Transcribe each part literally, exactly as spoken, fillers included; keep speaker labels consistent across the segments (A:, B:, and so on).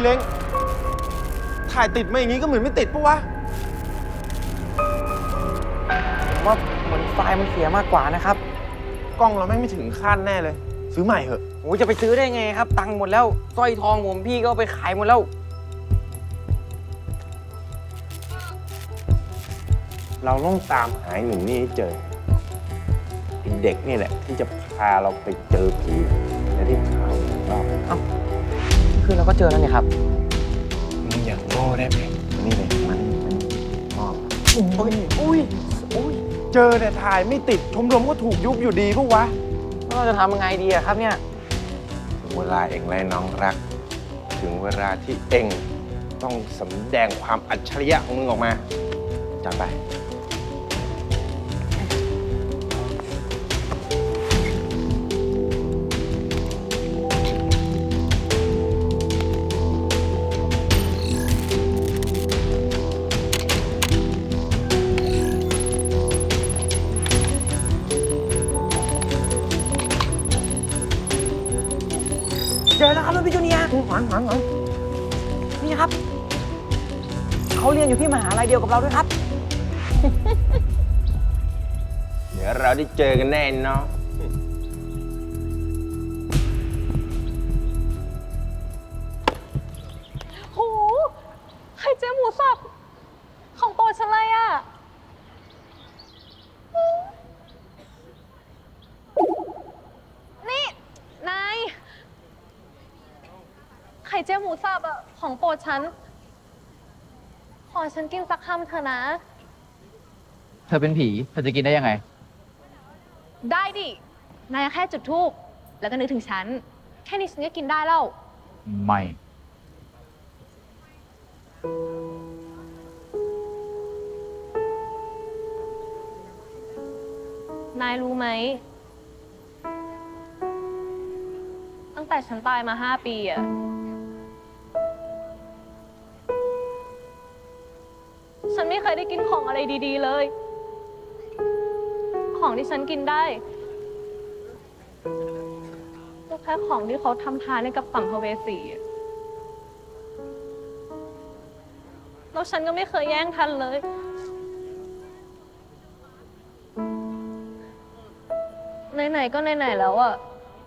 A: เล้งถ่ายติดมาอย่างนี้ก็เหมือนไม่ติดปะวะ
B: ผมว่าเหมือนไฟล์มันเสียมากกว่านะครับ
A: กล้องเราแม่งไม่ถึงขั้นแน่เลยซื้อใหม่เหอะ
B: โอ้ยจะไปซื้อได้ไงครับตังค์หมดแล้วสร้อยทองผมพี่ก็ไปขายหมดแล้ว
A: เราต้องตามหาหนุ่มนี่ให้เจอเด็กนี่แหละที่จะพาเราไปเจอผีและที่ข่าวรอบ
B: เอ้าคือเราก็เจอแล้วเนี่ยครับ
A: มึงอย่างโง่ได้ไหมนี่เลยมันมันชอบ
B: โอ้ยอุ้ยอุ้ย
A: เจอแต่ถ่ายไม่ติดชมรมก็ถูกยุบอยู่ดีปะวะ
B: แล้วเราจะทำยังไงดีอะครับเนี่ย
A: เวลาเองและน้องรักถึงเวลาที่เองต้องสำแดงความอัจฉริยะของมึงออกมาจัดไป
B: เจอแล้วครับพี่จูเนียร์หวังหวังหวังนี่ครับเขาเรียนอยู่ที่มหาลัยเดียวกับเราด้วยครับ
A: เดี๋ยวเราได้เจอกันแน่เนาะ
C: โหไข่เจียวหมูสับของโปรดฉันเลยอ่ะนี่นายไข่เจียวหมูสับอ่ะของโปรดฉันขอฉันกินสักคำเถอะนะ
D: เธอเป็นผีเธอจะกินได้ยังไง
C: ได้ดินายแค่จุดธูปแล้วก็นึกถึงฉันแค่นี้ฉันก็กินได้แล้ว
D: ไม่
C: นายรู้ไหมตั้งแต่ฉันตายมาห้าปีอะฉันไม่เคยได้กินของอะไรดีๆเลยของที่ฉันกินได้ก็แค่ของที่เขาทำทานให้กับสัมภเวสีแล้วฉันก็ไม่เคยแย่งทันเลยไหนๆก็ไหนๆแล้วอะ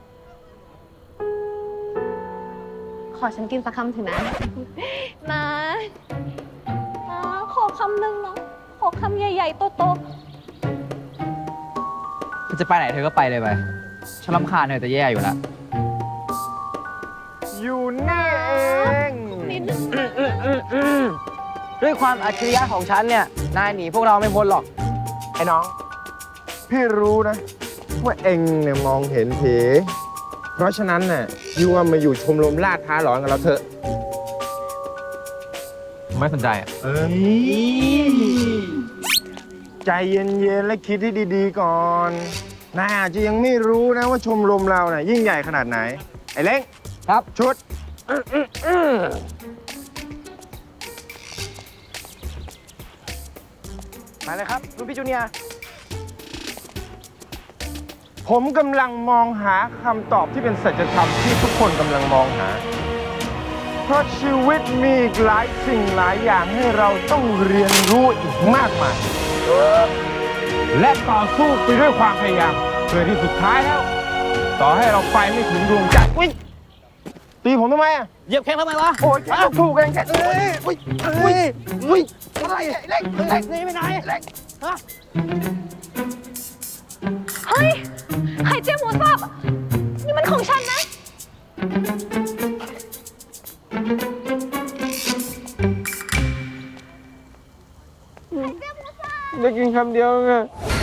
C: ขอฉันกินสักคำถึงนะนะนะขอคำหนึ่งนะขอคำใหญ่ๆโต
D: เธอจะไปไหนเธอก็ไปเลยไปฉันรำคาญเธอจะแย่อยู่แล้ว
A: อยู่นี่เอง
C: ๆนิดนึง
B: ด้วยความอัจฉริยะของฉันเนี่ยนายหนีพวกเราไม่พ้นหรอก
A: ไอ้น้องพี่รู้นะว่าเองเนี่ยมองเห็นผีเพราะฉะนั้นน่ะยูว่ามาอยู่ชมรมล่าท้าหลอนกับเราเถอะ
D: ไม่สนใจอ่ะ
A: เอ้ยใจเย็นๆและคิดให้ดีๆก่อนนายอาจจะยังไม่รู้นะว่าชมรมเราน่ะยิ่งใหญ่ขนาดไหนไอ้เล้ง
B: ครับ
A: ชุด
B: มาเลยครับรุ่นพี่จูเนียร์
A: ผมกำลังมองหาคำตอบที่เป็นสัจธรรมที่ทุกคนกำลังมองหาเพราะชีวิตมีอีกหลายสิ่งหลายอย่างให้เราต้องเรียนรู้อีกมากมายและต่อสู้ไปด้วยความพยายามเพื่อที่สุดท้ายแล้วต่อให้เราไปไม่ถึงดวงจันทร์ตีผมทำไมอ่ะ
B: เหยียบแข้งทำไมวะ
A: โอ้ยแค่ถูกเองแค่เอ้ยอุ้ยอุ้ยอุ้ยอะไรเล็กเล็ก
B: นี่ไม่ไหนเล็กฮะ
C: เฮ้ยไข่เจียวหมูสับนี่มันของฉันนะ
A: ได้กินคำเดียวไง